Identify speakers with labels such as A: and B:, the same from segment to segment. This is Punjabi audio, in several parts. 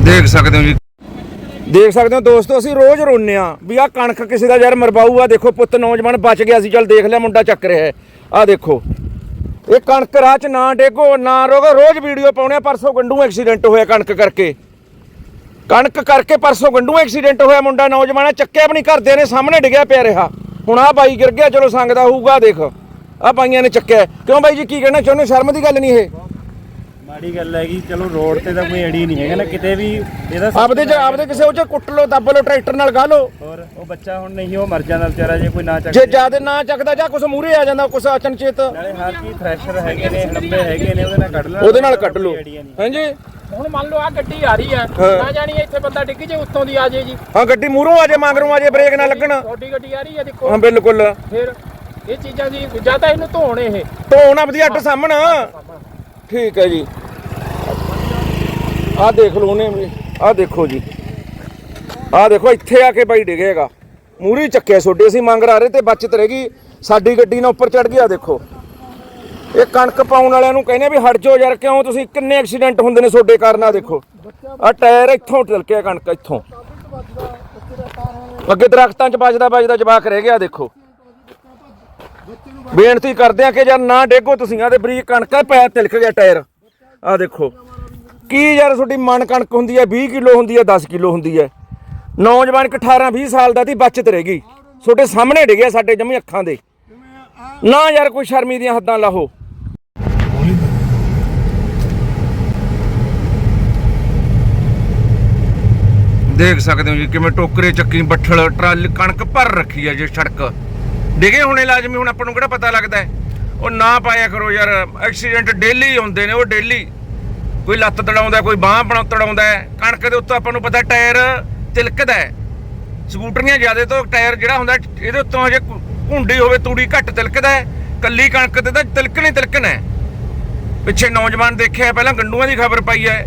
A: देख सकते हो जी, देख सकते हो दोस्तों, ਅਸੀਂ रोज रोने भी आ कणक किसी का यार मरवाऊ आ। देखो पुत नौजवान बच गया सी, चल देख लिया मुंडा चक रहा है। आ देखो ये कणक राह च ना डेगो ना रोगो, रोज वीडियो पाने। परसों गंडू एक्सीडेंट होया कणक करके परसों गंडू एक्सीडेंट होया, मुंडा नौजवान चक्या भी नहीं, घरदे ने सामने डिग्या पिया रहा। हुण आ बाई गिर गया, चलो संगदा होऊगा। देख आ बाइयां ने चक्या। क्यों बाई जी की कहना चाहुंदे? शर्म की गल नहीं है?
B: माड़ी गल है चलो रोड ते तां कोई अड़ी नहीं है ना किते भी।
A: आपदे किसे ਉਹ ਚ ਕੁੱਟ ਲੋ, ਦੱਬ ਲੋ, ਟਰੈਕਟਰ ਨਾਲ ਗਾ ਲੋ।
B: और ਉਹ ਬੱਚਾ ਹੁਣ ਨਹੀਂ ਉਹ ਮਰ ਜਾਂਦਾ ਵਿਚਾਰਾ ਜੇ ਕੋਈ ਨਾ ਚੱਕ।
A: ਜੇ ਜਿਆਦਾ ਨਾ ਚੱਕਦਾ ਜਾਂ ਕੁਛ ਮੂਹਰੇ ਆ ਜਾਂਦਾ, ਕੁਛ ਅਚਨਚੇਤ
B: ਨਾਲੇ ਹਰ ਕੀ ਥ੍ਰੈਸ਼ਰ ਹੈਗੇ ਨੇ, ਲੰਬੇ ਹੈਗੇ ਨੇ, ਉਹਦੇ ਨਾਲ ਕੱਢ ਲੈਣਾ,
A: ਉਹਦੇ ਨਾਲ ਕੱਢ ਲੋ। ਹਾਂਜੀ
C: ਹੁਣ ਮੰਨ ਲਓ ਆ ਗੱਡੀ ਆ ਰਹੀ ਆ, ਨਾ ਜਾਣੀ ਇੱਥੇ ਬੰਦਾ ਡਿੱਗ ਜੇ, ਉੱਤੋਂ ਦੀ ਆ ਜੇ ਜੀ।
A: ਹਾਂ ਗੱਡੀ ਮੂਹਰੋਂ ਆ ਜੇ, ਮਗਰੋਂ ਆ ਜੇ, ਬ੍ਰੇਕ ਨਾ ਲੱਗਣ।
C: ਛੋਟੀ ਗੱਡੀ ਆ ਰਹੀ ਆ ਦੇਖੋ।
A: ਹਾਂ ਬਿਲਕੁਲ।
C: ਫਿਰ ਇਹ ਚੀਜ਼ਾਂ ਦੀ ਜਾਂ ਤਾਂ ਇਹਨੂੰ ਧੋਣ, ਇਹ
A: ਧੋਣਾ ਵਧੀਆ ਅੱਟ ਸਾਹਮਣਾ। ਠੀਕ ਹੈ ਜੀ, ਆਹ ਦੇਖ ਲਓ ਉਹਨੇ, ਆਹ ਦੇਖੋ ਜੀ, ਆਹ ਦੇਖੋ ਇੱਥੇ ਆ ਕੇ ਬਾਈ ਡਿੱਗੇਗਾ, ਮੂਹਰੇ ਚੱਕਿਆ ਛੋਡੇ। ਅਸੀਂ ਮੰਗ ਰਹੇ ਤੇ ਬਚਤ ਰਹਿ ਗਈ, ਸਾਡੀ ਗੱਡੀ ਨਾਲ ਉੱਪਰ ਚੜ ਗਿਆ। ਦੇਖੋ ਇਹ ਕਣਕ ਪਾਉਣ ਵਾਲਿਆਂ ਨੂੰ ਕਹਿੰਦੇ ਵੀ ਹਟ ਜਾਓ ਯਾਰ, ਕਿਉਂ ਤੁਸੀਂ ਕਿੰਨੇ ਐਕਸੀਡੈਂਟ ਹੁੰਦੇ ਨੇ ਤੁਹਾਡੇ ਕਾਰਨ। ਆ ਦੇਖੋ ਆਹ ਟਾਇਰ ਇੱਥੋਂ ਤਿਲਕਿਆ, ਕਣਕ ਇੱਥੋਂ ਅੱਗੇ ਦਰਖਤਾਂ 'ਚ ਵੱਜਦਾ ਜਵਾਕ ਰਹਿ ਗਿਆ। ਦੇਖੋ ਬੇਨਤੀ ਕਰਦੇ ਆ ਕਿ ਯਾਰ ਨਾ ਡੇਗੋ ਤੁਸੀਂ। ਆਹ ਤੇ ਬਰੀਕ ਕਣਕ ਹੈ, ਪੈਰ ਤਿਲਕ ਗਿਆ ਟਾਇਰ। ਆਹ ਦੇਖੋ ਕੀ ਯਾਰ ਤੁਹਾਡੀ ਮਣ ਕਣਕ ਹੁੰਦੀ ਹੈ 20 ਕਿਲੋ ਹੁੰਦੀ ਹੈ, 10 ਕਿਲੋ ਹੁੰਦੀ ਹੈ। ਨੌਜਵਾਨ 18-20 ਸਾਲ ਦਾ ਦੀ ਬਚਤ ਰਹਿ ਗਈ, ਤੁਹਾਡੇ ਸਾਹਮਣੇ ਡਿੱਗਿਆ, ਸਾਡੇ ਜਮੀ ਅੱਖਾਂ ਦੇ। ਨਾ ਯਾਰ ਕੋਈ ਸ਼ਰਮੀ ਦੀਆਂ ਹੱਦਾਂ ਲਾਹੋ। देख सकते हो जी किवें टोकरे ਚੱਕੀ ਬੱਠਲ ਟਰਾਲੀ ਕਣਕ ਭਰ ਰੱਖੀ ਹੈ ਜੀ। ਸੜਕ ਡਿਗੇ ਹੋਣੇ ਲਾਜ਼ਮੀ, ਹੁਣ ਆਪਾਂ ਨੂੰ ਕਿਹੜਾ ਪਤਾ ਲੱਗਦਾ। ਉਹ ਨਾ ਪਾਇਆ ਕਰੋ ਯਾਰ, ਐਕਸੀਡੈਂਟ ਡੇਲੀ ਹੁੰਦੇ ਨੇ। ਉਹ ਡੇਲੀ ਕੋਈ ਲੱਤ ਤੜਾਉਂਦਾ, ਕੋਈ ਬਾਂਹ ਬਣਾ ਤੜਾਉਂਦਾ। ਕਣਕ ਦੇ ਉੱਤੇ ਆਪਾਂ ਨੂੰ ਪਤਾ ਟਾਇਰ ਤਿਲਕਦਾ। ਸਕੂਟਰੀਆਂ ਜ਼ਿਆਦਾ ਤੋਂ ਟਾਇਰ ਜਿਹੜਾ ਹੁੰਦਾ ਇਹਦੇ ਉੱਤੋਂ ਹਜੇ ਘੁੰਡੀ ਹੋਵੇ, ਤੂੜੀ ਘੱਟ ਤਿਲਕਦਾ। ਕੱਲੀ ਕਣਕ ਤੇ ਤਾਂ ਤਿਲਕਣਾ। ਪਿੱਛੇ ਨੌਜਵਾਨ ਦੇਖਿਆ, ਪਹਿਲਾਂ ਗੰਡੂਆਂ ਦੀ ਖਬਰ ਪਾਈ ਹੈ।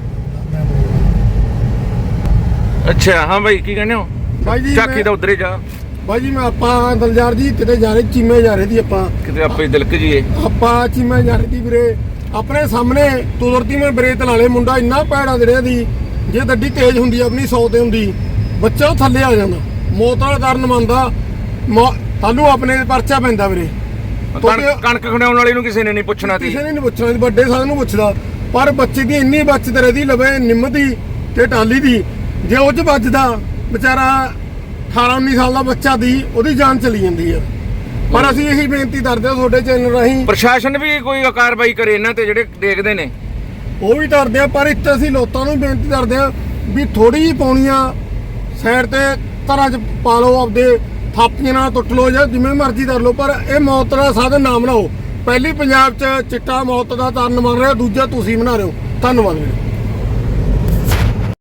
A: अच्छा हाँ भाई की कहने हो
D: भाई जी?
A: चाकी दा उधरे जा
D: भाई जी मैं आपा दलजार जी किते जा रहे, चीमे जा रहे थी आपा,
A: किते आपे दिलक जी
D: आपा चीमे जा रही थी ਵੀਰੇ। अपने सामने तुरती में ब्रेक ਲਾ ਮੁੰਡਾ ਇੰਨਾ ਪੈੜਾ ਜਿਹੜਿਆ ਦੀ, ਜੇ ਗੱਡੀ ਤੇਜ਼ ਹੁੰਦੀ ਆਪਣੀ 100 ਤੇ ਹੁੰਦੀ, ਬੱਚਾ ਥੱਲੇ ਆ ਜਾਂਦਾ। ਮੌਤ ਵਾਲਾ ਕਾਰਨ ਮੰਨਦਾ, ਤੁਹਾਨੂੰ ਆਪਣੇ ਪਰਚਾ ਪੈਂਦਾ ਵੀਰੇ।
A: ਕਣਕ ਖਣਾਉਣ ਵਾਲੇ ਨੂੰ ਕਿਸੇ ਨੇ ਨਹੀਂ ਪੁੱਛਣਾ ਸੀ,
D: ਕਿਸੇ ਨੇ ਨਹੀਂ ਪੁੱਛਣਾ, ਵੱਡੇ ਸਾਰਿਆਂ ਨੂੰ ਪੁੱਛਦਾ। ਪਰ ਬੱਚੇ ਦੀ ਇੰਨੀ ਬਚਤ ਰਹਦੀ ਲਵੇ, ਨਿੰਮ ਦੀ ਤੇ ਟਾਲੀ ਦੀ। ਜੇ ਉਹ 'ਚ ਵੱਜਦਾ ਵਿਚਾਰਾ 18-19 ਸਾਲ ਦਾ ਬੱਚਾ ਦੀ, ਉਹਦੀ ਜਾਨ ਚਲੀ ਜਾਂਦੀ ਹੈ। ਪਰ ਅਸੀਂ ਇਹੀ ਬੇਨਤੀ ਕਰਦੇ ਹਾਂ ਤੁਹਾਡੇ ਚੈਨਲ ਰਾਹੀਂ,
A: ਪ੍ਰਸ਼ਾਸਨ ਵੀ ਕੋਈ ਕਾਰਵਾਈ ਕਰੇ ਇਹਨਾਂ ਤੇ ਜਿਹੜੇ ਦੇਖਦੇ ਨੇ।
D: ਉਹ ਵੀ ਡਰਦੇ ਆ, ਪਰ ਇੱਥੇ ਅਸੀਂ ਲੋਕਾਂ ਨੂੰ ਬੇਨਤੀ ਕਰਦੇ ਹਾਂ ਵੀ ਥੋੜੀ ਜਿਹੀ ਪਾਉਣੀਆਂ ਸਾਈਡ ਤੇ ਘਰਾਂ 'ਚ ਪਾ ਲਓ, ਆਪਦੇ ਥਾਪੀਆਂ ਨਾਲ ਟੁੱਟ ਲਓ ਜਾਂ ਜਿਵੇਂ ਮਰਜ਼ੀ ਕਰ ਲਓ, ਪਰ ਇਹ ਮੌਤ ਦਾ ਸਾਧਨ ਨਾ ਬਣਾਓ। ਪਹਿਲੀ ਪੰਜਾਬ 'ਚ ਚਿੱਟਾ ਮੌਤ ਦਾ ਕਾਰਨ ਬਣ ਰਿਹਾ, ਦੂਜਾ ਤੁਸੀਂ ਬਣਾ ਰਹੇ ਹੋ। ਧੰਨਵਾਦ ਵੀਰੇ।